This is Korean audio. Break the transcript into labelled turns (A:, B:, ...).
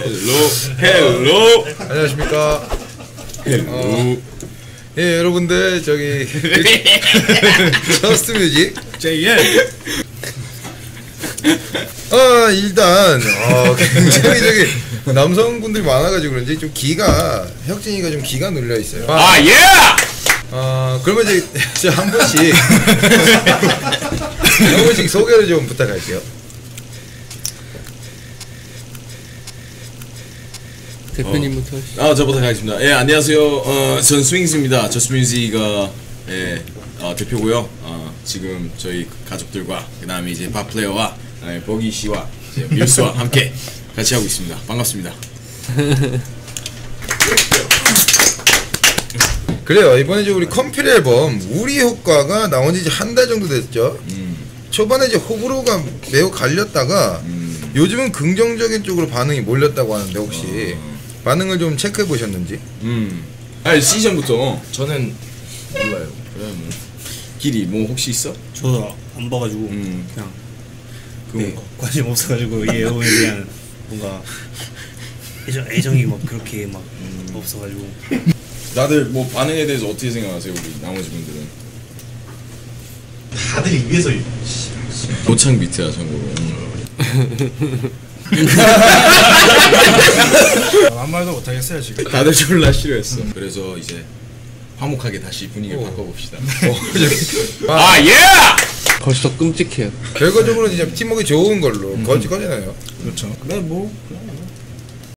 A: 헬로.
B: 안녕하십니까.
A: 헬로.
B: 예, 여러분들 저기 저스트 뮤직
A: JL.
B: 일단 굉장히 저기 남성분들이 많아가지고 그런지 좀 기가 혁진이가 좀 기가 눌려 있어요.
A: 예.
B: 그러면 이제 한 번씩 한 번씩 소개를 좀 부탁할게요.
C: 대표님부터 하시죠.
A: 저부터 가겠습니다. 예, 안녕하세요. 전 스윙스입니다. 저스트 뮤직가 대표고요. 지금 저희 가족들과 그다음에 이제 밥 플레이어와 버기 씨와 이제 밀스와 함께 같이 하고 있습니다. 반갑습니다.
B: 그래요. 이번에 이제 우리 컴필 앨범 우리 효과가 나온 지 이제 한 달 정도 됐죠. 초반에 이제 호불호가 매우 갈렸다가 요즘은 긍정적인 쪽으로 반응이 몰렸다고 하는데 혹시 반응을 좀 체크해 보셨는지?
A: 아니 시즌부터
D: 저는 몰라요.
A: 그래 뭐 길이 뭐 혹시 있어?
D: 저도 안 봐가지고 그냥
A: 그
D: 관심 없어가지고 이 앨범에 대한 뭔가 애정이 막 그렇게 막 없어가지고.
A: 다들 뭐 반응에 대해서 어떻게 생각하세요, 우리 나머지 분들은?
E: 다들 입에서
A: 노창 비트야 참고로.
E: 아무 말도 못하겠어요 지금.
A: 다들 졸라 싫어했어. 그래서 이제 화목하게 다시 분위기를 바꿔봅시다. 예!
C: 벌써 끔찍해요.
B: 결과적으로 이제 팀워크 좋은 걸로 거지거잖아요.
E: 그렇죠. 근데 뭐